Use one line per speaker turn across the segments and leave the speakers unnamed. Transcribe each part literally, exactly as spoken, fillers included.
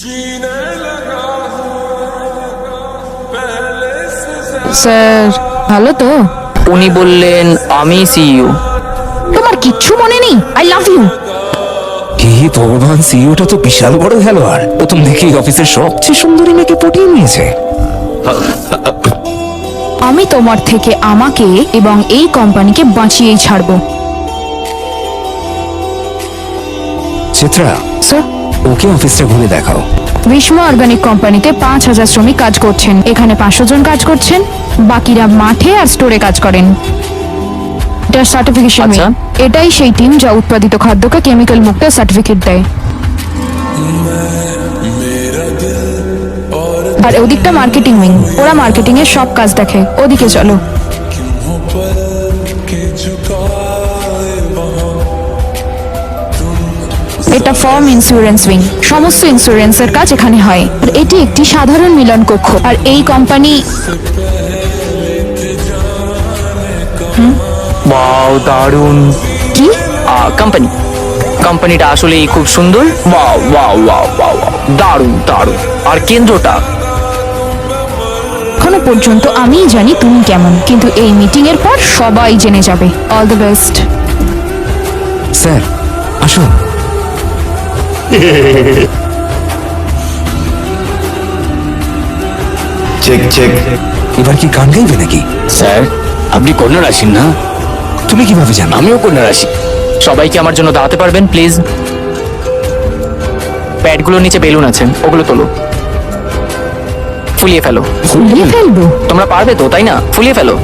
Sir ভালো তো?
উনি বললেন আমি সিইও।
তোমার কিচ্ছু মনে নেই? I love you.
হে ভগবান, সিইওটা তো বিশাল বড় খেলোয়াড়। প্রথম দেখেই অফিসের সবচেয়ে সুন্দরী মেয়েকে পটিয়ে নিয়েছে।
আমি তোমার থেকে আমাকে এবং এই কোম্পানিকে বাঁচিয়েই ছাড়বো।
চিত্রা,
স্যার,
ওকে অফিসটা ঘুরে দেখাও।
বিস্মা অর্গানিক কোম্পানিতে পাঁচ হাজার শ্রমিক কাজ করছেন। এখানে পাঁচশো জন কাজ করছেন, বাকিরা মাঠে আর স্টোরে কাজ করেন। এটা সার্টিফিকেশন।
আচ্ছা।
এটাই সেই টিম যা উৎপাদিত খাদ্যকে কেমিক্যাল মুক্ত সার্টিফিকেট দেয়। আর ওদিকটা মার্কেটিং উইং, ওরা মার্কেটিং এর সব কাজ দেখে। ওদিকে চলো। এটা ফার্ম ইন্স্যুরেন্স উইং, সমস্ত ইন্স্যুরেন্সের কাজ এখানে হয়। আর এটি একটি সাধারণ মিলন কক্ষ। আর এই কোম্পানি
ওয়াও, দারুণ।
কি?
কোম্পানি কোম্পানিটা আসলেই খুব সুন্দর। ওয়াও ওয়াও ওয়াও ওয়াও, দারুণ দারুণ। আর কেন্দ্রটা,
এখনো পর্যন্ত আমিই জানি তুমি কেমন, কিন্তু এই মিটিং এর পর সবাই জেনে যাবে। All the best.
স্যার আসুন।
Check check.
এবার কি গান গাইবে নাকি?
স্যার আপনি কন্যা রাশি না?
তুমি কিভাবে জানো?
আমিও কন্যা রাশি। সবাইকে আমার জন্য দাঁড়াতে পারবেন প্লিজ? প্যাডগুলোর নিচে বেলুন আছে, ওগুলো তোলো, ফুলিয়ে ফেলো।
ফুলিয়ে ফেলবো?
তোমরা পারবে তো, তাই না? ফুলিয়ে ফেলো।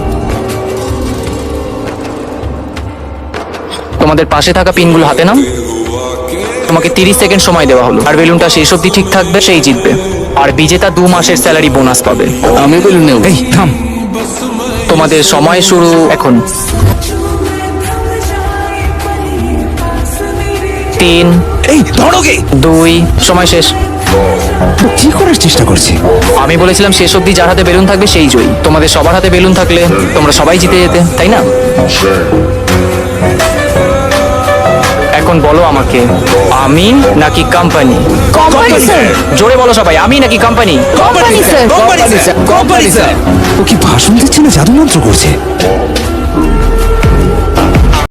তোমাদের পাশে থাকা পিনগুলো হাতে নাও। তোমাকে তিরিশ সেকেন্ড সময় দেওয়া হলো, আর বেলুনটা শেষ অবধি ঠিক থাকবে, সেই জিতবে। আর বিজেতা দু মাসের স্যালারি বোনাস পাবে।
আমি বেলুন নেব।
এই থাম।
তোমাদের সময় শুরু এখন। তিন,
এই ধরোগে।
দুই, সময় শেষ।
তো কি করার চেষ্টা করছি?
আমি বলেছিলাম শেষ অবধি যার হাতে বেলুন থাকবে সেই জয়ী। তোমাদের সবার হাতে বেলুন থাকলে তোমরা সবাই জিতে যেতে, তাই না? এখন বলো আমাকে, আমি নাকি কোম্পানি?
Company sir.
জোরে বলো সবাই, আমি নাকি company?
Company sir.
Company sir, company sir. ও কি ভাষণ দিচ্ছে না জাদু মন্ত্র করছে?